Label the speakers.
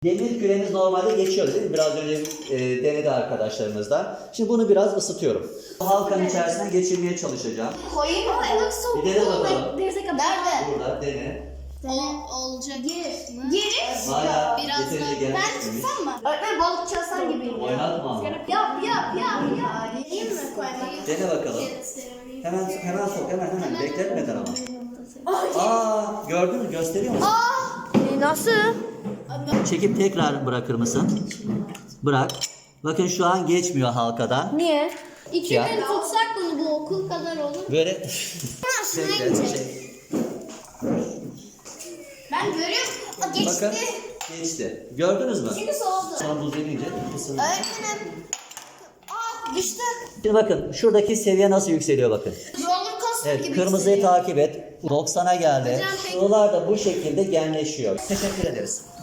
Speaker 1: Demir küremiz normalde geçiyor değil mi? Biraz önce denedi arkadaşlarımızla. Şimdi bunu biraz ısıtıyorum. Halkanın içerisine geçirmeye çalışacağım.
Speaker 2: Koyayım mı?
Speaker 1: Bir dene bakalım.
Speaker 2: Nerede?
Speaker 1: Burada dene.
Speaker 2: Olacak. Gir.
Speaker 1: Hala
Speaker 2: Biraz
Speaker 1: yeterince
Speaker 2: da.
Speaker 1: gelmiş.
Speaker 2: Ben tutsam mı? Öğretmen balık çalsan gibi.
Speaker 1: Oynatma ama.
Speaker 2: Yap. İyi mi koymak?
Speaker 1: Dene bakalım. Hemen sok hemen. Bekletmeden ama. Gördün mü? Gösteriyor musun?
Speaker 3: Nasıl?
Speaker 1: Çekip tekrar bırakır mısın? Bırak. Bakın şu an geçmiyor halkadan.
Speaker 3: Niye?
Speaker 2: 2
Speaker 1: Ya.
Speaker 2: gün tutsak bunu bu okul kadar olur.
Speaker 1: Böyle
Speaker 2: Aşağıya gidecek. Ben görüyorum. Geçti.
Speaker 1: Bakın geçti. Gördünüz mü?
Speaker 2: Şimdi soğudu.
Speaker 1: Sonra buz gelince ısınır.
Speaker 2: Öğretmenim. Düştü.
Speaker 1: Şimdi bakın şuradaki seviye nasıl yükseliyor bakın.
Speaker 2: Roller coaster
Speaker 1: Evet
Speaker 2: gibi.
Speaker 1: kırmızıyı
Speaker 2: hissediyorum.
Speaker 1: takip et. 90'a geldi.
Speaker 2: Hocam peki-
Speaker 1: Sıvılar da bu şekilde genleşiyor. Teşekkür ederiz.